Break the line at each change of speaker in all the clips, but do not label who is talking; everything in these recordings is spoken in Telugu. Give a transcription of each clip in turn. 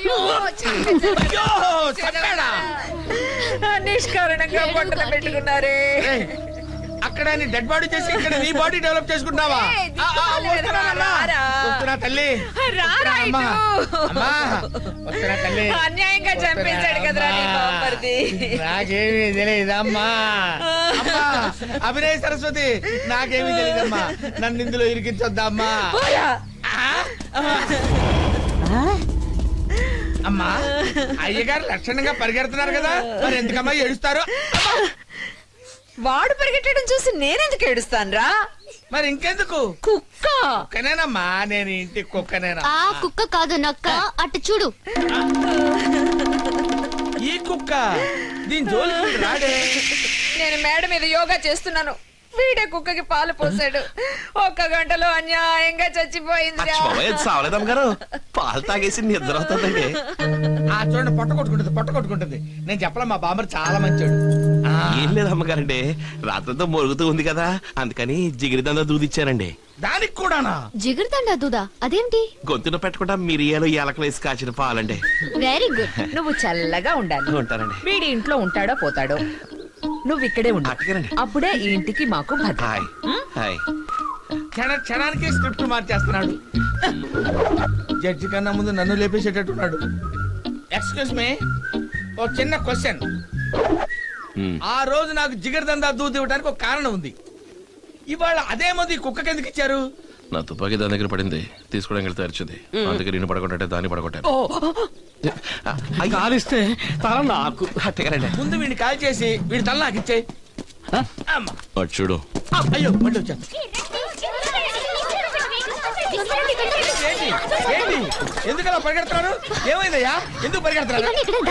నిష్కారణంగా పొట్టన పెట్టుకున్నారే.
అక్కడ నీ డెడ్ బాడీ చేసి ఇక్కడ నీ బాడీ డెవలప్ చేసుకుంటావా? తల్లి తల్లి
అన్యాయంగా చంపేశాడు కదరా నీ బామ్మర్ది.
నాకేమీ తెలియదమ్మా. అభినయ సరస్వతి, నాకేమీ తెలియదమ్మా. నన్ను ఇందులో ఇరికించొద్దమ్మా. అమ్మా, అయ్యగారు లక్షణంగా పరిగెడుతున్నారు కదా, మరి ఎందుకమ్మా ఏడుస్తారు?
వాడు పరిగెట్టడం చూసి నేనెందుకు ఏడుస్తానురా?
మరి ఇంకెందుకు?
కుక్క
కుక్కనేనమ్మా, నేను ఇంటి కుక్కనేనా?
ఆ కుక్క కాదు నక్క, అటు చూడు.
ఈ కుక్క దీని జోలికి రాడే.
నేను మేడ మీద యోగా చేస్తున్నాను, వీడే కుక్కకి పాలు పోసాడు. 1 గంటలో అన్యాయంగా చచ్చిపోయింది.
గారు పాలు తాగేసి నిద్ర అవుతుందండి.
చూడండి, పొట్ట కొట్టుకుంటుంది. నేను చెప్పలే, మా బామ్మర్ చాలా మంచోడు.
ఏం లేదు అమ్మగారండి, రాత్రంతా మొరుగుతూ ఉంది కదా, అందుకని జిగిరిదందా దూదిచ్చానండి.
దానికి కూడానా?
జిగురుతండా దూదా? అదేంటి?
గొంతున పెట్టకుండా మిరియాలు ఏలకలు వేసి కాచిన పాలండి.
Very good.
నువ్వు చల్లగా ఉండాలి.
ఉంటానండి.
వీడి ఇంట్లో ఉంటాడో పోతాడో, నువ్వు ఇక్కడే ఉండు. అప్పుడే ఈ ఇంటికి మాకు భద్రత.
హాయ్.
క్షణానికి స్క్రిప్ట్ మార్చేస్తున్నాడు. జడ్జి కన్నా ముందు నన్ను లేపేసేటట్టున్నాడు. ఎక్స్క్యూజ్ మీ, ఒక చిన్న క్వశ్చన్. ఆ రోజు నాకు జిగర్దందా దూది ఇవ్వడానికి ఒక కారణం ఉంది. ఇవాళ అదే మంది కుక్కకి ఎందుకు ఇచ్చారు?
నా తుపాకీ దాని దగ్గర పడింది, తీసుకోవడానికి వెళ్తే అరిచింది. అందుకే నేను పడగొట్టే దాన్ని పడగొట్టాను.
కాలిస్తే తల నాకు.
ముందు వీడిని కాల్ చేసి వీడి తల నాకు ఇచ్చే.
చూడు.
అయ్యో, మళ్ళీ వచ్చాను. ఏంటి ఎందుకు అలా పరిగెడుతున్నారు? ఏమైందయ్యా? ఎందుకు పరిగెడుతున్నారు?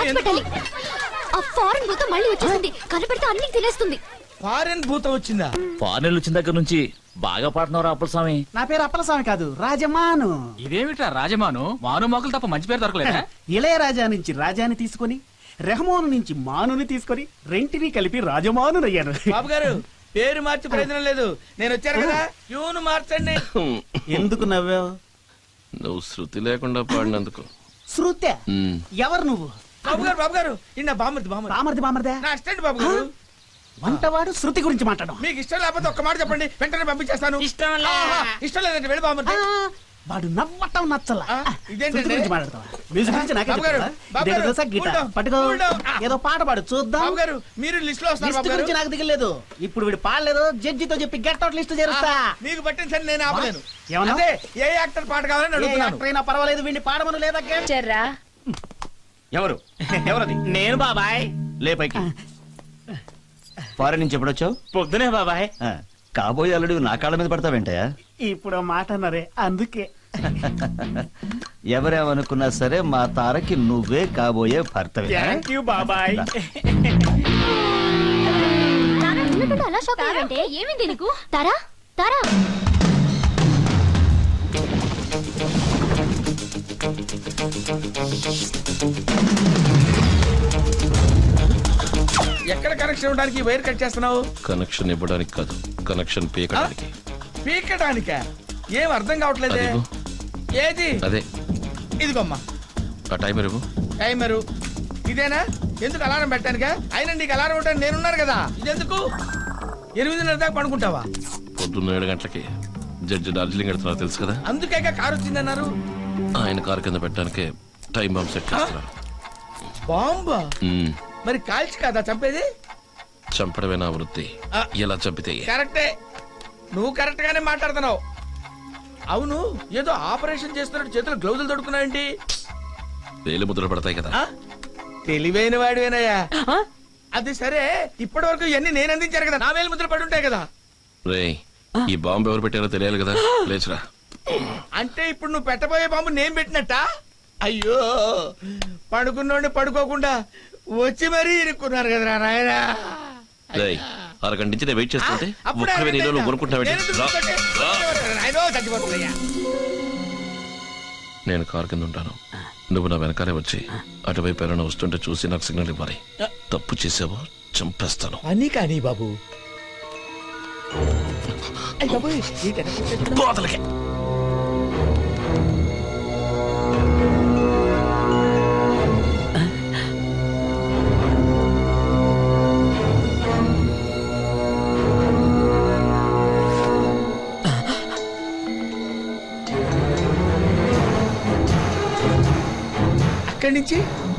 ఆ ఫారెన్ భూతం మళ్ళీ వచ్చేసింది, కనపడితే అన్ని తినేస్తుంది.
ఫారెన్ భూతం వచ్చిందా?
ఫారెన్ వచ్చిన దగ్గర నుంచి బాగా పాడుతున్నారు అప్పలస్వామి.
నా పేరు అప్పలస్వామి కాదు, రాజమాను.
ఇదేమిట్రా రాజమాను? మాను మోకలు తప్ప మంచి పేరు దొరకలేదా?
ఇళయరాజా నుంచి రాజాని తీసుకొని, రెహమాను నుంచి మానుని తీసుకొని, రెంటిని కలిపి రాజమాను అయ్యాను.
బాబు గారు, పేరు మార్చి ప్రయోజనం లేదు. నేను వచ్చాను కదా, ట్యూన్ మార్చండి.
ఎందుకు నవ్వావు?
నువ్వు శృతి లేకుండా పాడినందుకు.
శృత్య? ఎవరు నువ్వు?
బాబు గారు ఇన్న
బామర్దే
నా అసిస్టెంట్ బాబు గారు.
వంటవాడు శృతి గురించి మాట్లాడడం.
మీకు ఇష్టం లేకపోతే ఒక్క మాట చెప్పండి, వెంటనే పంపించేస్తాను. ఇష్టం లేదంటే వెళ్ళి బాబు.
వాడు నవ్వటం నచ్చలా.
ఇదేంటండి?
శృతి గురించి మాట్లాడతావా? మ్యూజిక్ గురించి నాకే
బాబు గారు,
చెప్తావా?
బాబు
ఇదేదో
గారు,
తెలుసా? గిటార్
కూల్
పట్టుకో,
డౌన్.
ఏదో పాట పాడు చూద్దాం.
బాబు గారు, మీరు లిస్ట్ లో వస్తారు.
లిస్ట్
బాబు
గురించి
గారు,
నాకు దిగలేదు. ఇప్పుడు వీడు పాడలేదు, జడ్జితో చెప్పి గెట్ అవుట్ లిస్ట్ చేరుస్తా.
మీకు పట్టిన సరే నేను ఆపలేను.
ఏమన్నా?
అదే ఏ యాక్టర్ పాట కావాలని
ఏ
అడుగుతున్నాను.
యాక్టర్ అయినా పర్వాలేదు, వీడిని పాడమను లేదా?
చెర్రా
ఎవరు? ఎవరది?
నేను బాబాయ్.
లే పైకి. ఫారెన్ నుంచి ఎప్పుడొచ్చావు?
పొద్దునే బాబాయ్.
కాబోయే అల్లుడు నా కాళ్ళ మీద పడతావేంటయా?
ఇప్పుడు మాట అన్నారే, అందుకే.
ఎవరేమనుకున్నా సరే మా తారకి నువ్వే కాబోయే భర్తవే.
థ్యాంక్ యూ బాబాయ్.
అలా షాక్ అయ్యావంటే ఏమైంది నీకు? తారా తారా
ఎక్కడ కనెక్షన్ ఇవ్వడానికి వైర్ కట్ చేస్తున్నావు?
కనెక్షన్ ఇవ్వడానికి కాదు, కనెక్షన్ పీకడానికి.
పీకడానికా? ఏం అర్థం కావట్లేదే. ఏది?
అదే
ఇదిగోమ్మా
ఆ టైమర్ ఇవ్వు.
టైమరు ఇదేనా? ఎందుకు అలారం పెట్టానుగా? అయినా నీకు అలారం ఉంటాను, నేనున్నాను కదా. ఇదెందుకు? 8:30 దాకా పడుకుంటావా?
పొద్దున్న 7 గంటలకి జడ్జి డార్జిలింగ్ వెళ్తున్నారు తెలుసు కదా,
అందుకే కారు వచ్చిందన్నారు.
ఆయన కారు కింద పెట్టడానికి టైం బాంబ్ సెట్ చేస్తున్నారు.
బాంబా? మరి కాల్చి కదా చంపేది?
చంపడమే నా వృత్తి. ఎలా చంపితే?
కరెక్టే, నువ్వు కరెక్ట్ గానే మాట్లాడుతున్నావు. అవును, ఏదో ఆపరేషన్ చేస్తున్నట్టు చేతులు గ్లౌజులు తొడుకున్నావేంటి?
వేలు ముద్రలు పడతాయి కదా.
తెలివైన వాడివేనయ్యా. అది సరే, ఇప్పటి వరకు ఇవన్నీ నేను అందించాను కదా, నా వేలు ముద్రలు పడి ఉంటాయి కదా.
రేయ్, ఈ బాంబు ఎవరు పెట్టారో తెలియాలి కదా, లేచురా.
అంటే ఇప్పుడు నువ్వు పెట్టబోయే బాంబు నేను పెట్టినట్ట? అయ్యో, పడుకున్నోడిని పడుకోకుండా వచ్చి మరీ ఇరుక్కున్నారు కదరా నాయనా.
రేయ్, అరగంట నుంచి నేను వెయిట్ చేస్తుంటే ఒక్కవే నీలో నువ్వు కొనుక్కుంటున్నావు. నేను కారు కింద ఉంటాను, నువ్వు నా వెనకాలే వచ్చి అటువైపు ఎవరైనా వస్తుంటే చూసి నాకు సిగ్నల్ ఇవ్వాలి. తప్పు చేసావో చంపేస్తాను.
అని కానీ బాబు. ఇక్కడి నుంచి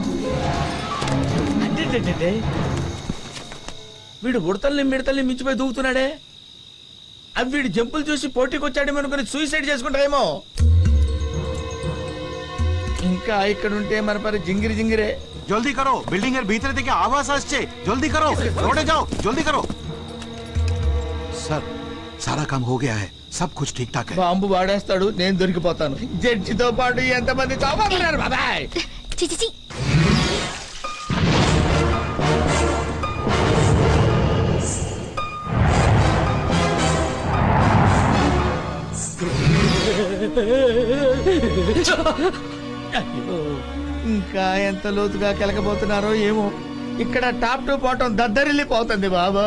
అంటే వీడు ఉడతల్ని మిడతల్ని మించిపోయి దూకుతున్నాడే. అవి వీడు జంపులు చూసి పోటీకి వచ్చాడేమో అనుకుని సూసైడ్ చేసుకుంటారేమో. ఇంకా ఇక్కడ ఉంటే మన పరి జింగిరి జింగిరే.
जल्दी करो, बिल्डिंग এর ভিতরে থেকে आवाज আসছে, जल्दी करो, रोडे जाओ, जल्दी करो। सर, सारा काम हो गया है, सब कुछ ठीक ठाक है।
బాంబు వాడేస్తాడు, నేను దొరికిపోతాను. జడ్జితో పాటు ఎంతమంది చావబోతున్నారు బాబాయ్.
చిచి
అయ్యో, ఇంకా ఎంత లోతుగా కెలకబోతున్నారో ఏమో. ఇక్కడ టాప్ టు బాటం దద్దరిల్లిపోతుంది బాబా.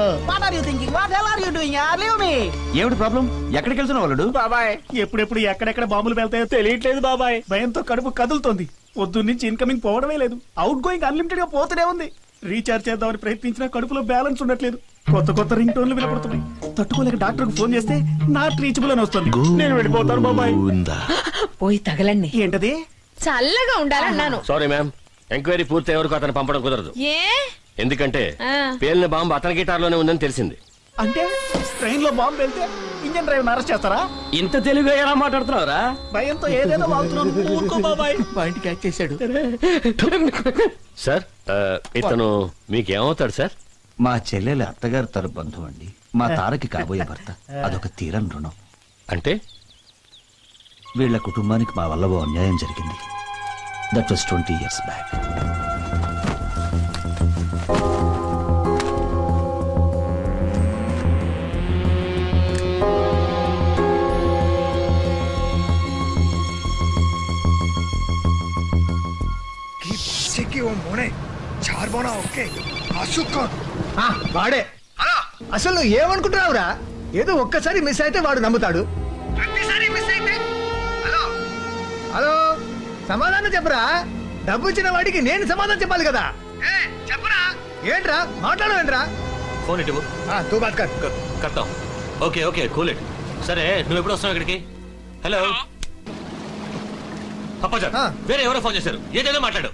ఏమిటి ప్రాబ్లం? ఎక్కడికి వెళ్తున్నావు వాళ్ళు?
బాబాయ్ ఎప్పుడెప్పుడు ఎక్కడెక్కడ బాంబులు వెళ్తాయో తెలియట్లేదు బాబాయ్. భయంతో కడుపు కదులుతోంది. పొద్దున్న నుంచి ఇన్కమింగ్ పోవడమే లేదు, అవుట్ గోయింగ్ అన్లిమిటెడ్ గా పోతూనే ఉంది. రీఛార్జ్ చేద్దామని ప్రయత్నించినా కడుపులో బ్యాలెన్స్ ఉండట్లేదు. కొత్త కొత్త రింగ్ టోన్లు వినపడుతున్నాయి. తట్టుకోలేక డాక్టర్ కు ఫోన్ చేస్తే నాట్ రీచబుల్ అని వస్తుంది. నేను వెళ్ళిపోతాను బాబాయ్.
పోయి తగలండి.
ఏంటది?
చల్లగా ఉండాలన్నాను.
సారీ మ్యామ్, ఎంక్వైరీ పూర్తి వరకు అతను పంపడం కుదరదు.
ఏ
ఎందుకంటే
ఆ.
పేలిన బాంబు అతని గిటార్లోనే ఉందని తెలిసింది.
అంటే ట్రైన్ లో బాంబు వెళ్తే ఇంజన్ డ్రైవర్ అరెస్ట్ చేస్తారా?
ఇంత తెలుగుగా ఎలా మాట్లాడుతున్నావురా?
భయంతో ఏదేదో వాగుతున్నాను. ఊరుకో బాబాయ్.
పాయింట్ క్యాచ్ చేశాడు.
సార్ ఇతను మీకేమవుతాడు సార్?
మా చెల్లెలి అత్తగారు తర బంధువు అండి. మా తారకి కాబోయే భర్త. అదొక తీరని రుణం.
అంటే
వీళ్ళ కుటుంబానికి మా వల్ల ఓ అన్యాయం జరిగింది. That was 20 years back.
వాడే అసలు నువ్వు ఏమనుకుంటున్నావురా? ఏదో ఒక్కసారి మిస్ అయితే వాడు నమ్ముతాడు. హలో, సమాధానం చెప్పరా? డబ్బు ఇచ్చిన వాడికి నేను సమాధానం చెప్పాలి కదా. చెప్పరా? ఏంట్రా మాట్లాడవేంట్రా?
ఫోన్ ఇటు
తూ బాత్ కర్.
కడతాం. Okay okay cool it. సరే నువ్వు ఎప్పుడు వస్తున్నావు ఇక్కడికి? హలో అప్పాజా, వేరే ఎవరో ఫోన్ చేశారు, ఏదేదో మాట్లాడు.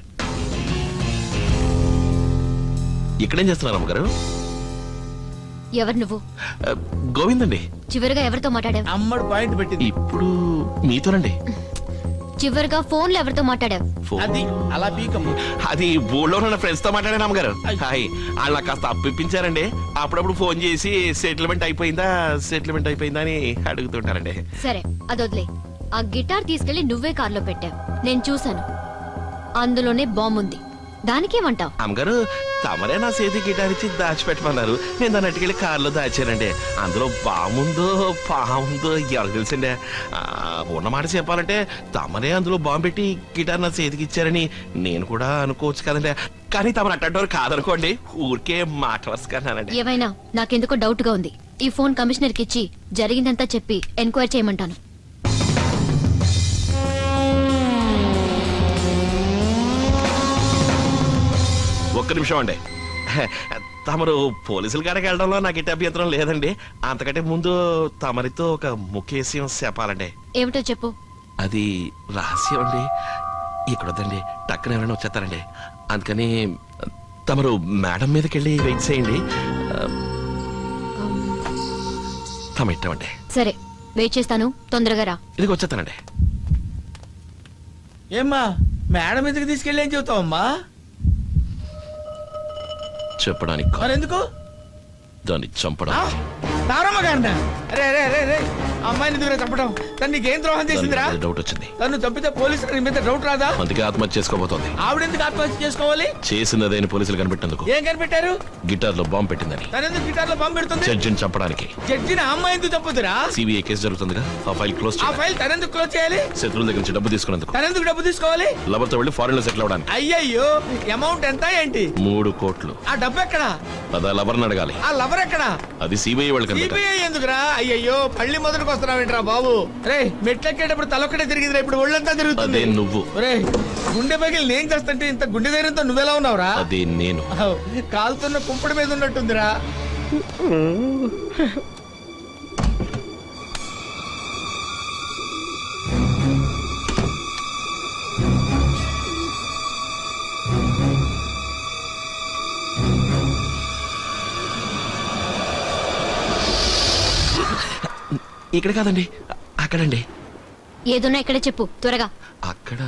ఇక్కడేం చేస్తున్నారు అమ్మగారు?
ఎవరు నువ్వు?
గోవింద్ అండి.
చివరిగా ఎవరితో మాట్లాడావు?
అమ్మడు పాయింట్ పెట్టింది.
ఇప్పుడు మీతోనండి.
చివరిగా ఫోన్ లో ఎవరితో మాట్లాడావు?
అది అలా పీకమ్మ.
అది ఊళ్ళో ఉన్న ఫ్రెండ్స్ తో మాట్లాడాను అమ్మగారు. హాయ్, వాళ్ళు నాకు కాస్త అప్పిప్పించారండి. అప్పుడప్పుడు ఫోన్ చేసి సెటిల్మెంట్ అయిపోయిందా అని అడుగుతుంటారండి.
సరే అదొద్లే. ఆ గిటార్ తీసుకెళ్లి నువ్వే కార్లో పెట్టావు, నేను చూశాను. అందులోనే బాంబు ఉంది. దానికేమంటావు?
అమ్మగారు, తమరే నా చేతి గిటార్ ఇచ్చి దాచిపెట్టమన్నారు. నేను దాన్ని అట్టుకెళ్ళి కారులో దాచానండి. అందులో బాముందో పాముందో ఎవరికి తెలుసండి. ఉన్నమాట చెప్పాలంటే తమరే అందులో బాంబు పెట్టి గిటార్ నా చేతికి ఇచ్చారని నేను కూడా అనుకోవచ్చు కదండి. కానీ తమరు అట్టంటారు కాదనుకోండి, ఊరికే మాట వరుసకన్నానండి.
ఏమైనా నాకెందుకో డౌట్ గా ఉంది. ఈ ఫోన్ కమిషనర్ కి ఇచ్చి జరిగిందంతా చెప్పి ఎంక్వైరీ చేయమంటాను.
ఒక్క నిమిషం అండి. తమరు పోలీసుల కాడికి వెళ్ళడంలో నాకు ఇటు అభ్యంతరం లేదండి. అంతకంటే ముందు తమరితో ఒక ముఖ్య విషయం చెప్పాలండి.
ఏమిటో చెప్పు.
అది రహస్యం అండి. ఇక్కడ వద్దండి, టక్కున ఎవరైనా వచ్చేస్తారండి. అందుకని తమరు మేడం మీదకి వెళ్ళి వెయిట్ చేయండి. తమ ఇట్టమండి.
సరే వెయిట్ చేస్తాను, తొందరగా రా.
ఇదికి వచ్చేస్తానండి.
ఏమ్మా, మేడం ఎందుకు తీసుకెళ్ళి ఏం చెబుతావమ్మా?
చెప్పడానికి కాదు,
మరెందుకు?
దాన్ని చంపడానికి.
తారమ్మ గారినా? రే రే రే రే, అమ్మాయిని ఎందుకు చంపడం? తను నీకేం ద్రోహం చేసిందిరా?
దానికి డౌట్ వచ్చింది.
తను చంపితే పోలీసులు నీ మీద డౌట్ రాదా?
అందుకే ఆత్మహత్య చేసుకోబోతోంది.
ఆవిడెందుకు ఆత్మహత్య చేసుకోవాలి?
చేసినదేని పోలీసులు కనిపెట్టేందుకు.
ఏం కనిపెట్టారు?
గిటార్ లో బాంబు పెట్టిందని.
తనెందుకు గిటార్ లో బాంబు పెడుతుంది?
జడ్జిని చంపడానికి.
జడ్జిని ఆ అమ్మాయి ఎందుకు చంపుతురా?
సిబిఐ కేసు జరుగుతుందిగా, ఆ ఫైల్ క్లోజ్
ఆ ఫైల్ తనెందుకు క్లోజ్ చేయాలి?
శత్రువుల దగ్గర నుంచి డబ్బు తీసుకున్నందుకు.
తనెందుకు డబ్బు తీసుకోవాలి?
లవర్తో వెళ్ళి ఫారెన్ లో సెటిల్ అవడానికి.
అయ్యయ్యో, అమౌంట్ ఎంత ఏంటి?
3 కోట్లు.
ఆ డబ్బు ఎక్కడా?
అదా లవర్ని అడగాలి.
ఆ లవర్ ఎక్కడా?
అది సిబిఐ వాళ్ళకి కనిపెట్టాలి.
సిబిఐ ఎందుకురా? అయ్యయ్యో, పళ్ళి మొదటికి వస్తున్నావేంట్రా బాబు? రే, మెట్లెక్కేటప్పుడు తలొక్కడే తిరిగిందిరా, ఇప్పుడు ఒళ్ళంతా తిరుగుతుంది.
అదే నువ్వు.
రే, గుండె పగిలి నేను చేస్తుంటే ఇంత గుండె ధైర్యంతో నువ్వెలా ఉన్నావురా?
అదే నేను.
కాలుతున్న కుంపడి మీద ఉన్నట్టుందిరా.
ఇక్కడ కాదండి, అక్కడండి.
ఏదున్నా ఇక్కడే చెప్పు త్వరగా.
అక్కడ